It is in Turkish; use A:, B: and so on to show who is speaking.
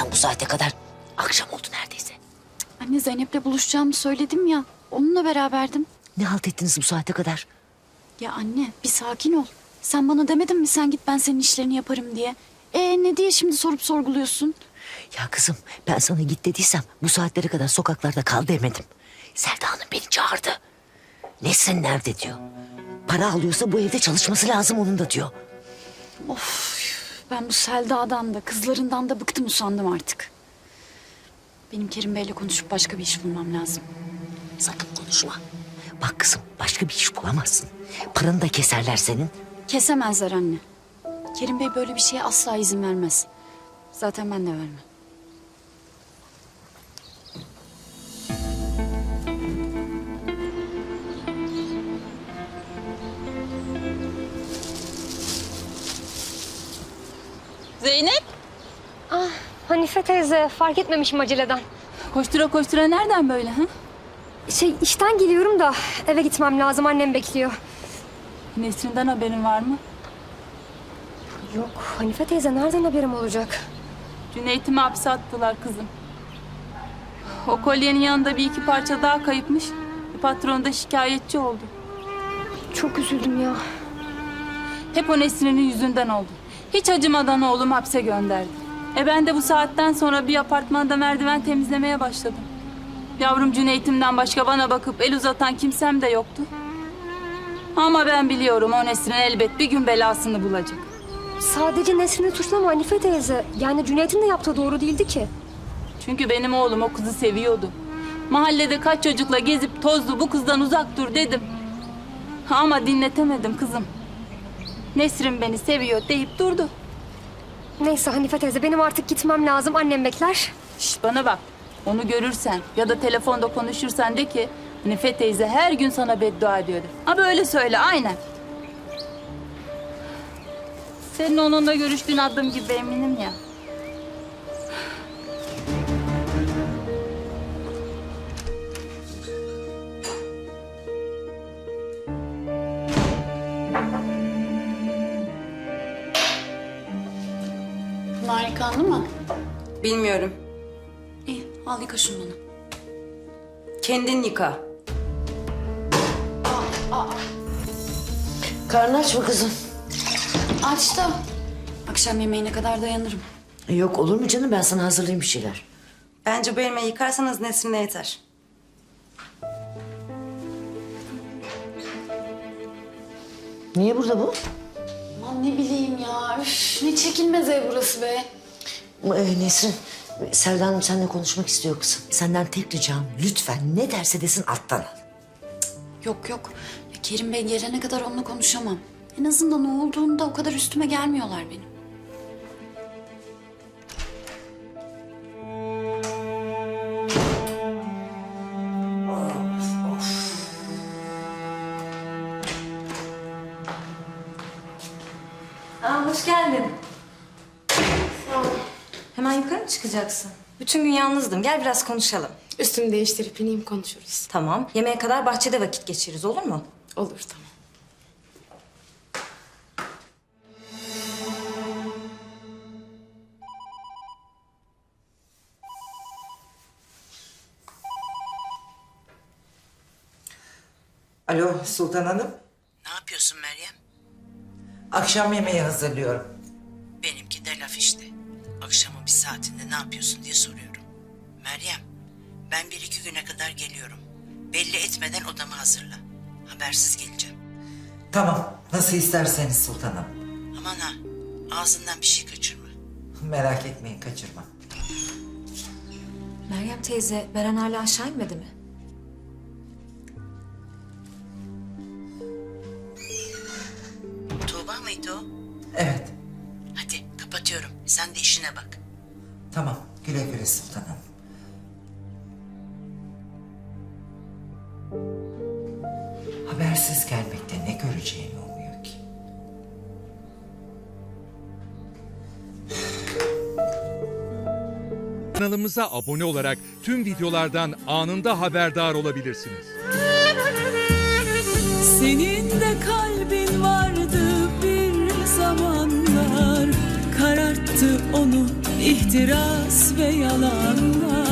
A: sen bu saate kadar? Akşam oldu neredeyse.
B: Anne Zeynep'le buluşacağımı söyledim ya. Onunla beraberdim.
A: Ne halt ettiniz bu saate kadar?
B: Ya anne bir sakin ol. Sen bana demedin mi sen git ben senin işlerini yaparım diye. Ne diye şimdi sorup sorguluyorsun?
A: Ya kızım ben sana git dediysem bu saatlere kadar sokaklarda kal demedim. Selda Hanım beni çağırdı. Nesrin nerede diyor. Para alıyorsa bu evde çalışması lazım onun da diyor.
B: Of ben bu Selda'dan da kızlarından da bıktım usandım artık. Benim Kerim Bey'le konuşup başka bir iş bulmam lazım.
A: Sakın konuşma. Bak kızım başka bir iş bulamazsın. Paranı da keserler senin.
B: Kesemezler anne. Kerim Bey böyle bir şeye asla izin vermez. Zaten ben de vermem.
C: Zeynep,
D: Ah, Hanife teyze fark etmemişim aceleden.
C: koştura koştura nereden böyle ha?
D: İşten geliyorum da eve gitmem lazım, annem bekliyor.
C: Nesrin'den haberin var mı?
D: Yok Hanife teyze, nereden haberim olacak?
C: Cüneyt'imi hapse attılar kızım. O kolyenin yanında bir iki parça daha kayıpmış. Patron da şikayetçi oldu.
D: Çok üzüldüm ya.
C: Hep o Nesrin'in yüzünden oldu. Hiç acımadan oğlum hapse gönderdi. Ben de bu saatten sonra bir apartmanda merdiven temizlemeye başladım. Yavrum Cüneyt'imden başka bana bakıp el uzatan kimsem de yoktu. Ama ben biliyorum o Nesrin elbet bir gün belasını bulacak.
D: Sadece Nesrin'i suçlama Hanife teyze. Yani Cüneyt'in de yaptığı doğru değildi ki.
C: Çünkü benim oğlum o kızı seviyordu. Mahallede kaç çocukla gezip tozdu, bu kızdan uzak dur dedim. Ama dinletemedim kızım. Nesrin beni seviyor deyip durdu.
D: Neyse Hanife teyze, benim artık gitmem lazım, annem bekler.
C: Şş, bana bak, onu görürsen ya da telefonda konuşursan de ki Hanife teyze her gün sana beddua ediyor de. Ha böyle söyle, aynen. Senin onunla görüştüğün adım gibi eminim ya.
B: Bunlar yıkandı mı?
E: Bilmiyorum.
B: İyi al yıka şunu bana.
E: Kendin yıka.
A: Karnı aç mı kızım?
B: Aç da akşam yemeğine kadar dayanırım.
A: Yok olur mu canım ben sana hazırlayayım bir şeyler.
E: Bence bu elmayı yıkarsanız Nesrin'e yeter.
A: Niye burada bu?
B: Aman ne bileyim ya. Üf, ne çekilmez ev burası be.
A: Nesrin, Selda Hanım seninle konuşmak istiyor kızım. Senden tek ricam lütfen ne derse desin alttan al.
B: Yok yok. Ya Kerim Bey gelene kadar onunla konuşamam. En azından o olduğunda o kadar üstüme gelmiyorlar benim.
E: Hoş geldin. Hemen yukarı mı çıkacaksın? Bütün gün yalnızdım. Gel biraz konuşalım.
F: Üstümü değiştirip ineyim konuşuruz.
E: Tamam. Yemeğe kadar bahçede vakit geçiririz, olur mu?
F: Olur tamam.
G: Alo Sultan Hanım.
A: Ne yapıyorsun Meryem?
G: Akşam yemeği hazırlıyorum.
A: Benimki de laf işte. Akşamın bir saatinde ne yapıyorsun diye soruyorum. Meryem, ben bir iki güne kadar geliyorum. Belli etmeden odamı hazırla. Habersiz geleceğim.
G: Tamam, nasıl isterseniz Sultanım.
A: Aman ha, ağzından bir şey kaçırma.
G: Merak etmeyin, kaçırmam.
E: Meryem teyze, Beren hala aşağı inmedi mi?
A: Tuğba mıydı o?
G: Evet,
A: Hadi kapatıyorum. Sen de işine bak.
G: tamam. Güle güle Sultanım. Habersiz gelmekte ne göreceğini umuyor ki?
H: Kanalımıza abone olarak tüm videolardan anında haberdar olabilirsiniz.
I: Senin de kalbin vardı bir zamanlar, kararttı onu ihtiras ve yalanlar.